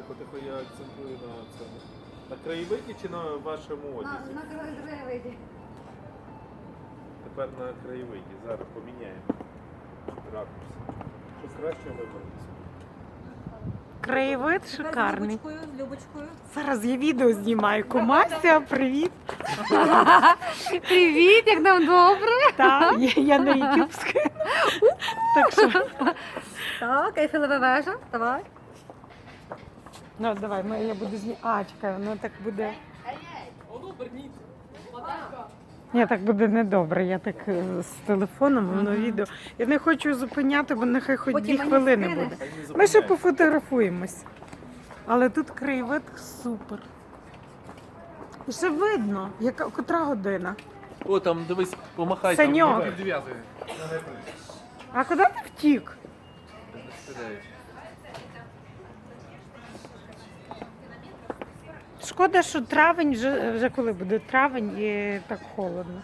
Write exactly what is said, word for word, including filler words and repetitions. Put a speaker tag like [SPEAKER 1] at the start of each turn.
[SPEAKER 1] тихо, тихо, я акцентую на цьому. На краєвиді чи на вашому
[SPEAKER 2] На,
[SPEAKER 1] одязі?
[SPEAKER 2] на краєвиді.
[SPEAKER 1] Тепер на краєвиді. Зараз поміняємо ракурс. Щоб краще вибратися.
[SPEAKER 3] Краєвид
[SPEAKER 2] З
[SPEAKER 3] шикарний.
[SPEAKER 2] Любочкою, з Любочкою.
[SPEAKER 3] Зараз я відео знімаю. Кумася, привіт.
[SPEAKER 2] Привіт, як нам добре.
[SPEAKER 3] Так, я, я на ютубську. Так що,
[SPEAKER 2] Так, Ейфелева вежа, давай.
[SPEAKER 3] ну давай, ми, я буду знімати. А, чекай, воно так буде. Ні, так буде недобре. Я так е, з телефоном, воно відео. Я не хочу зупиняти, бо нехай хоч
[SPEAKER 2] Потім
[SPEAKER 3] дві
[SPEAKER 2] мені
[SPEAKER 3] хвилини
[SPEAKER 2] скинеш.
[SPEAKER 3] буде.
[SPEAKER 1] Хай не
[SPEAKER 3] Ми ще
[SPEAKER 1] зупиняйся.
[SPEAKER 3] пофотографуємось. Але тут краєвид супер. І ще видно, яка котра година.
[SPEAKER 1] О, там дивись, помахай.
[SPEAKER 3] Саньок.
[SPEAKER 1] Там, дев'ятий.
[SPEAKER 3] А куди ти втік? Шкода, що травень, вже, вже коли буде травень і так холодно.